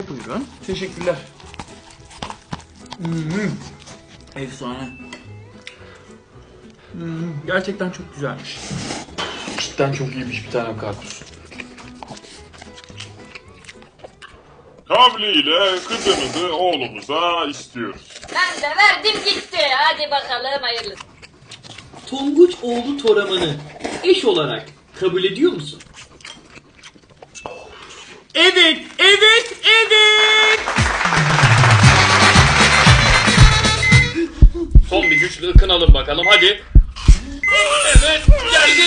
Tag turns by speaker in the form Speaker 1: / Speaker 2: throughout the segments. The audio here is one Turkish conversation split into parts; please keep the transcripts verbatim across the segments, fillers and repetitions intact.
Speaker 1: Buyurun. Teşekkürler. Hmm. Efsane. Hmm. Gerçekten çok güzelmiş. Cidden çok iyiymiş bir tane karpuz.
Speaker 2: Kavliyle kızınızı oğlumuza istiyoruz.
Speaker 3: Ben de verdim gitti. Hadi bakalım hayırlısı.
Speaker 4: Tonguç oğlu Toraman'ı eş olarak kabul ediyor musun?
Speaker 1: Evet, evet, evet.
Speaker 4: Son bir güçlü ıkınalım bakalım hadi. Evet geldi.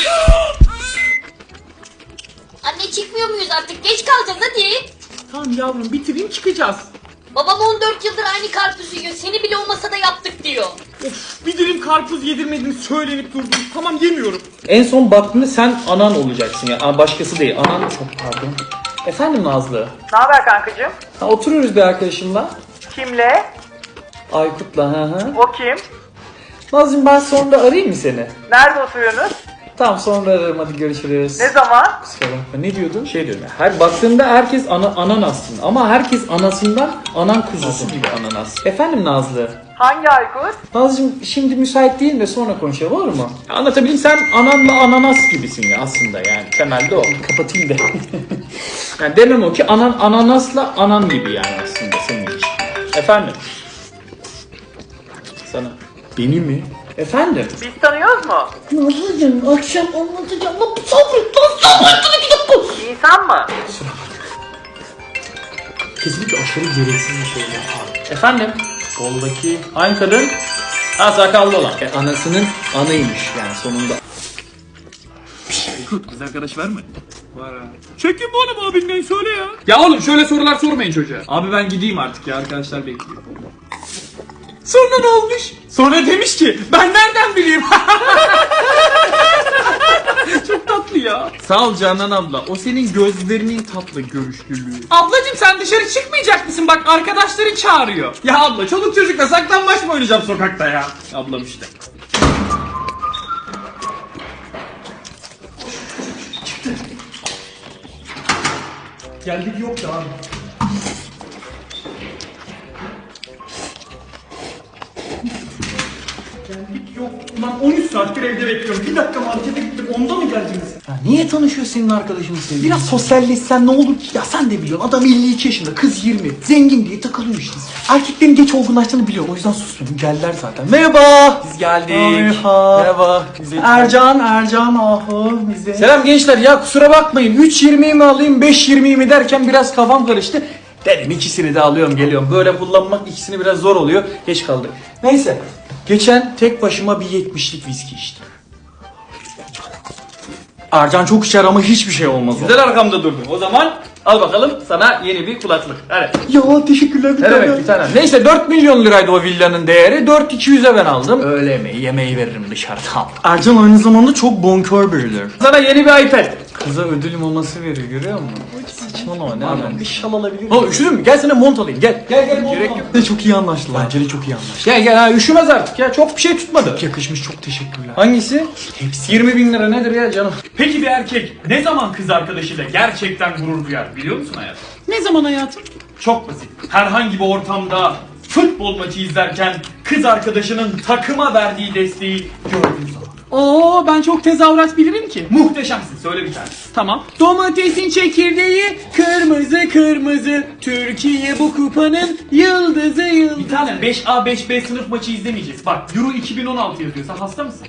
Speaker 3: Anne çıkmıyor muyuz artık? Geç kalacağız hadi.
Speaker 1: Tamam yavrum bitireyim çıkacağız.
Speaker 3: Babam on dört yıldır aynı karpuzu yiyor. Seni bile olmasa da yaptık diyor.
Speaker 1: Of, bir dilim karpuz yedirmediniz söylenip durdunuz. Tamam yemiyorum.
Speaker 5: En son baktığında sen anan olacaksın ya. Aa, başkası değil. Anan çok pardon. Efendim Nazlı.
Speaker 6: Ne haber kankacığım?
Speaker 5: Ha, oturuyoruz bir arkadaşımla.
Speaker 6: Kimle?
Speaker 5: Aykut'la. Hı hı.
Speaker 6: O kim?
Speaker 5: Nazlı'cığım ben sonra arayayım mı seni?
Speaker 6: Nerede oturuyorsunuz?
Speaker 5: Tamam sonra ararım hadi görüşürüz.
Speaker 6: Ne zaman?
Speaker 5: Kusura bakma. Ne diyordun? Şey diyorum ya. Her baktığında herkes ana, anan aslında. Ama herkes anasından anan kuzusu gibi ananas. Efendim Nazlı.
Speaker 6: Hangi Aykut?
Speaker 5: Nazlı'cığım şimdi müsait değil de sonra konuşalım olur mu? Anlatabileyim sen ananla ananas gibisin ya aslında yani. Temelde o. Kapatayım da. Yani demem o ki anan ananasla anan gibi yani aslında senin için. Efendim. Sana. Beni mi? Efendim.
Speaker 6: Biz tanıyoruz mu?
Speaker 5: Nazlı'cığım akşam anlatacağım. Lan sabret lan sabret. Bir dakika.
Speaker 6: İnsan mı?
Speaker 5: Kesinlikle aşırı gereksiz bir şey ya. Efendim? Soldaki aynı kadın. Ha sakallı olan. E, anasının anaymış yani sonunda.
Speaker 1: Kız arkadaş var mı? Var ha. Çekin bu oğlum abinden söyle ya. Ya oğlum şöyle sorular sormayın çocuğa. Abi ben gideyim artık ya arkadaşlar bekliyor. Sonra ne olmuş? Sonra demiş ki ben nereden bileyim? Çok tatlı ya. Sağ ol Canan abla. O senin gözlerinin tatlı görüşlülüğü. Ablacım sen dışarı çıkmayacak mısın? Bak arkadaşları çağırıyor. Ya abla çoluk çocukla saklambaç mı oynayacağım sokakta ya? Ablam işte. Çıktı. Geldik yok da abi. Geldik yok. Ulan on üç saattir evde bekliyorum. Bir dakika markete gittim. Onda mı geldiniz?
Speaker 5: Ya niye tanışıyor senin arkadaşın sevgili?
Speaker 1: Biraz sosyalleşsen ne olur ki? Ya sen de biliyorsun adam elli iki yaşında, kız yirmi. Zengin diye takılıyor işte. Erkeklerin geç olgunlaştığını biliyorum. O yüzden susmuyorum. Geldiler zaten. Merhaba. Biz geldik. Merhaba. Merhaba. Ercan, Ercan ahu bize.
Speaker 5: Selam gençler ya kusura bakmayın. üç yirmiyi mi alayım beş yirmiyi mi derken biraz kafam karıştı. Dedim ikisini de alıyorum geliyorum. Böyle kullanmak ikisini biraz zor oluyor. Geç kaldık. Neyse. Geçen tek başıma bir yetmişlik viski içtim. Ercan çok içer ama hiçbir şey olmaz. Güzel arkamda durdun. O zaman al bakalım sana yeni bir kulaklık. Hadi.
Speaker 1: Ya teşekkürler bir
Speaker 5: Ne
Speaker 1: tane.
Speaker 5: demek bir tane. Neyse dört milyon liraydı o villanın değeri. dört iki yüze ben aldım. Öğle yemeği, yemeği veririm dışarıda.
Speaker 1: Ercan aynı zamanda çok bonkör biridir.
Speaker 5: Sana yeni bir iPad. Kıza ödül maması veriyor görüyor musun? Saçmalama ne
Speaker 1: Pardon bir şal alabilir miyim?
Speaker 5: Oğlum üşüdün mü? Gel sana mont alayım gel. Gel gel mont
Speaker 1: Gerek
Speaker 5: al.
Speaker 1: yok. De çok iyi anlaştılar. Bence de çok iyi anlaştılar.
Speaker 5: Gel gel ha üşümez artık ya çok bir şey tutmadı.
Speaker 1: Çok yakışmış çok teşekkürler.
Speaker 5: Hangisi? Hepsi. yirmi bin lira nedir ya canım?
Speaker 4: Peki bir erkek ne zaman kız arkadaşıyla gerçekten gurur duyar biliyor musun hayatım?
Speaker 1: Ne zaman hayatım?
Speaker 4: Çok basit. Herhangi bir ortamda futbol maçı izlerken kız arkadaşının takıma verdiği desteği gördüğün zaman.
Speaker 1: Oo ben çok tezahürat bilirim ki.
Speaker 4: Muhteşemsin söyle bir tane.
Speaker 1: Tamam. Domatesin çekirdeği kırmızı kırmızı. Türkiye bu kupanın yıldızı yıldızı.
Speaker 4: Bir tane beş A beş B sınıf maçı izlemeyeceğiz. Bak Euro iki bin on altı yazıyor. Sen hasta mısın?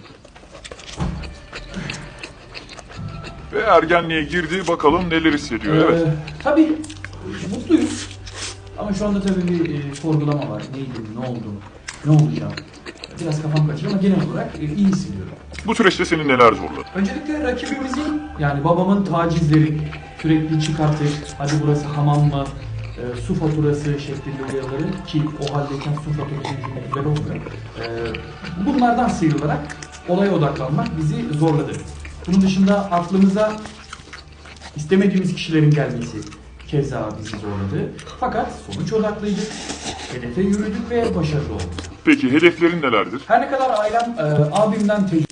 Speaker 2: Ve ergenliğe girdi bakalım neler hissediyor. Evet.
Speaker 7: Tabii mutluyuz. Ama şu anda tabii bir e, sorgulama var. Neydi, ne oldu, ne olacak? Biraz kafam kaçıyor ama genel olarak e, iyi hissediyorum.
Speaker 2: Bu süreçte seni neler zorladı?
Speaker 7: Öncelikle rakibimizin, yani babamın tacizleri sürekli çıkartır. Hadi burası hamam mı, e, su faturası şeklinde uyarıları ki o haldeyken su faturası hükümetleri olmuyor. E, bunlardan sıyrılarak olaya odaklanmak bizi zorladı. Bunun dışında aklımıza istemediğimiz kişilerin gelmesi keza bizi zorladı. Fakat sonuç odaklıydık, hedefe yürüdük ve başarılı olduk.
Speaker 2: Peki hedeflerin nelerdir?
Speaker 7: Her ne kadar ailem e, abimden tecrübe